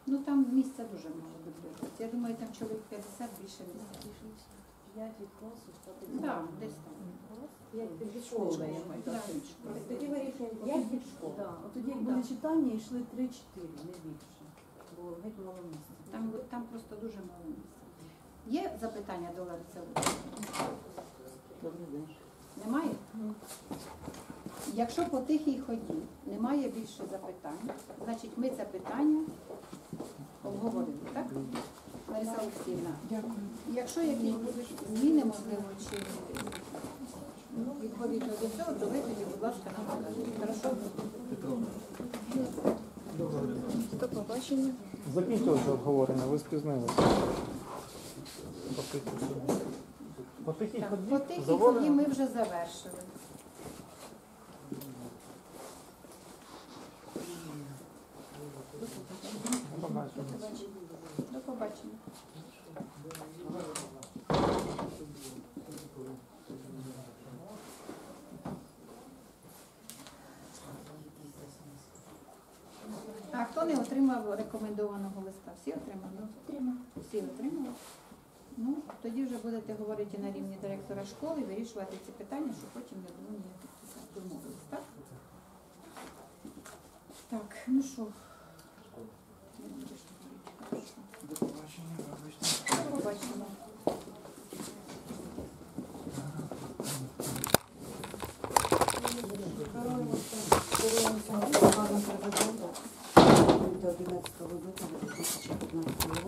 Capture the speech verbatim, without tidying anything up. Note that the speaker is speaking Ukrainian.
Ну там місця дуже мало бібліотеці. Я думаю, там чоловік п'ятдесят, більше місця. п'ять від класу, стати. Так, десь там. п'ять від школи. Да. Тоді вирішуємо п'ять від школи. От тоді, як були читання, йшли три-чотири, не більше. Бо геть мало місця. Там, там просто дуже мало місця. Є запитання до Лариси Олексіївни? Добрий день. Немає? Якщо по тихій ході немає більше запитань, значить ми це питання обговорили, так? Лариса Олексіївна, Дякую. якщо якісь будуть зміни, можливо, чи відповідно до цього, то ви тоді, будь ласка, нам покажіть. Хорошо? До побачення. Закінчилося обговорення, ви спізнилися. По тихій Так, ході по тихій ході заводимо. ми вже завершили. До побачення. До побачення. А хто не отримав рекомендованого листа? Всі отримали? Отримали. Всі отримали? Ну, тоді вже будете говорити на рівні директора школи, вирішувати ці питання, щоб потім не було ніяких домовленостей, так? Так, ну що? Не будеш говорити, хорошо. До побачення, вибачте. До побачення. До одинадцятого лютого дві тисячі п'ятнадцятого року